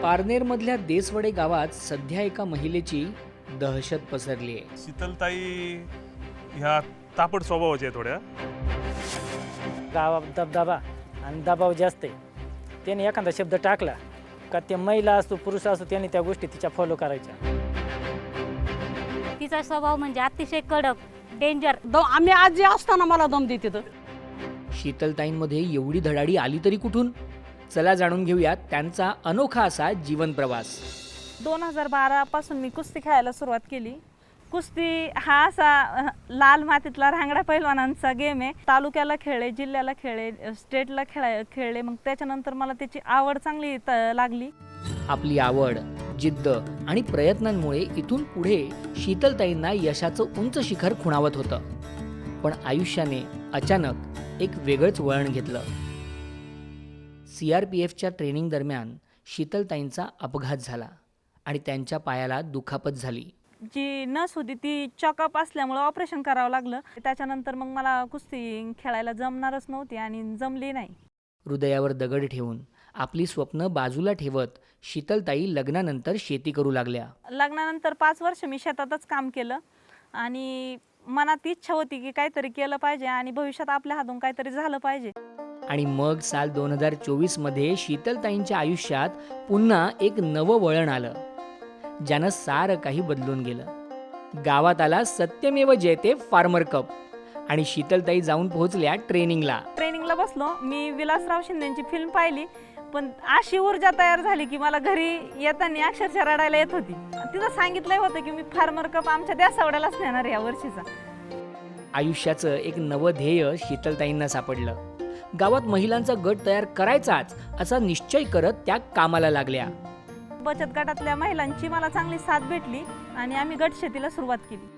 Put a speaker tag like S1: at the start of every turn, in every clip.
S1: पारनेरमधल्या देसवडे गावात सध्या एका महिलेची दहशत पसरली आहे.
S2: शीतलताई ह्या तापड स्वभावाच्या थोड्या.
S3: गावात दबदबा आणि दबाव जास्त आहे. त्याने एखादा शब्द टाकला का ते महिला असो पुरुष असो त्यांनी त्या गोष्टी तिच्या फॉलो करायच्या.
S4: तिचा स्वभाव म्हणजे अतिशय कडक, डेंजर.
S5: आम्ही आजी असताना मला दम देते तर.
S1: शीतलताईंमध्ये एवढी धडाडी आली तरी कुठून? चला जाणून घेऊयात त्यांचा अनोखा असा जीवन प्रवास.
S6: 2012 पासून मी कुस्ती खेळायला सुरुवात केली. कुस्ती हा असा लाल मातीतला रांगडा पैलवानांचा गेम आहे. तालुक्याला खेळले, जिल्ह्याला खेळले, स्टेटला खेळले. मग त्याच्यानंतर मला त्याची आवड चांगली लागली.
S1: आपली आवड, जिद्द आणि प्रयत्नांमुळे इथून पुढे शीतलताईंना यशाचं उंच शिखर खुणावत होतं. पण आयुष्याने अचानक एक वेगळंच वळण घेतलं. CRPFच्या ट्रेनिंग दरम्यान शीतलताईंचा अपघात झाला आणि त्यांच्या पायाला दुखापत झाली.
S6: जी नस होती ती चॉकअप असल्यामुळं ऑपरेशन करावं लागलं. त्याच्यानंतर मग मला कुस्ती खेळायला जमणारच नव्हती आणि जमली नाही.
S1: हृदयावर दगड ठेवून आपली स्वप्न बाजूला ठेवत शीतलताई लग्नानंतर शेती करू लागल्या.
S6: लग्नानंतर 5 वर्ष मी शेतातच काम केलं आणि मनात इच्छा होती की काहीतरी केलं पाहिजे आणि भविष्यात आपल्या हातून काहीतरी झालं पाहिजे.
S1: आणि मग साल 2024 मध्ये शीतलताईंच्या आयुष्यात पुन्हा एक नवं वळण आलं, ज्यानं सारं काही बदलून गेलं. गावात आला सत्यमेव जयते फार्मर कप आणि शीतलताई जाऊन पोहोचल्या ट्रेनिंगला
S6: बसलो. मी विलासराव शिंदेची फिल्म पाहिली, पण अशी ऊर्जा तयार झाली की मला घरी येताना अक्षरशः रडायला येत होती. तिथं सांगितलंय होतं की मी फार्मर कप आमच्या देसावड्यालाच नेणार या वर्षीचा.
S1: आयुष्याचं एक नवं ध्येय शीतलताईंना सापडलं. गावात महिलांचा गट तयार करायचाच असा निश्चय करत त्या कामाला लागल्या.
S6: बचत गटातल्या महिलांची मला चांगली साथ भेटली आणि आम्ही गट शेतीला सुरुवात केली.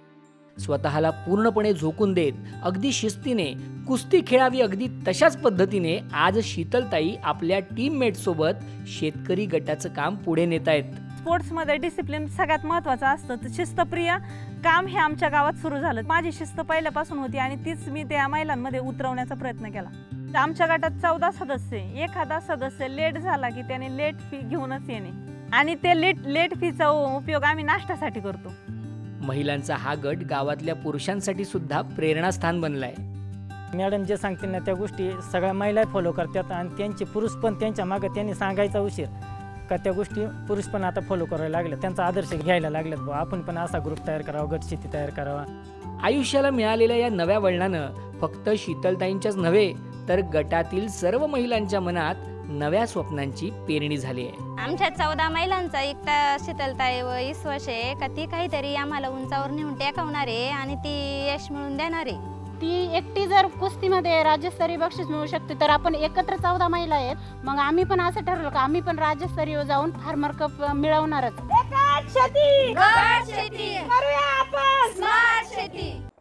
S1: स्वतःला पूर्णपणे झोकून देत अगदी शिस्तीने कुस्ती खेळावी अगदी तशाच पद्धतीने आज शीतलताई आपल्या टीममेट सोबत शेतकरी गटाचं काम पुढे नेत आहेत.
S6: स्पोर्ट्समध्ये डिसिप्लिन सगळ्यात महत्त्वाचं असतं. तर शिस्तप्रिय काम हे आमच्या गावात सुरू झालं. माझी शिस्त पहिल्यापासून होती आणि तीच मी त्या महिलांमध्ये उतरवण्याचा प्रयत्न केला. आमच्या गटात 14 सदस्य. एखादा सदस्य लेट झाला की त्याने लेट फी घेऊनच येणे आणि ते लेट फीचा उपयोग आम्ही नाश्त्यासाठी करतो.
S1: महिलांचा हा गट गावातल्या पुरुषांसाठी सुद्धा प्रेरणास्थान बनलाय.
S3: मॅडम जे सांगतील ना त्या गोष्टी सगळ्या महिला फॉलो करतात आणि त्यांचे पुरुष पण त्यांच्या मागे त्यांनी सांगायचा उशीर का त्या गोष्टी पुरुष पण आता फॉलो करायला लागले. त्यांचा आदर्श घ्यायला लागलेत. आपण पण असा ग्रुप तयार करावा, गट शेती तयार करावा.
S1: आयुष्याला मिळालेल्या या नव्या वळणानं फक्त शीतलताईंच्याच नव्हे तर गटातील सर्व महिलांच्या मनात नव्या स्वप्नांची पेरणी झाली आहे.
S4: आमच्या 14 महिलांचा एकटा शीतलताई व विश्वास आहे का ती काहीतरी आम्हाला उंचावर नेऊन टेकवणार आहे आणि ती यश मिळवून देणार आहे.
S5: ती एकटी जर कुस्तीमध्ये राज्यस्तरीय बक्षीस मिळू शकते तर आपण एकत्र 14 महिला आहेत. मग आम्ही पण असं ठरवलं का आम्ही पण राज्यस्तरीय जाऊन फार्मर कप मिळवणारच.
S4: शेती करूया आपण स्मार्ट शेती.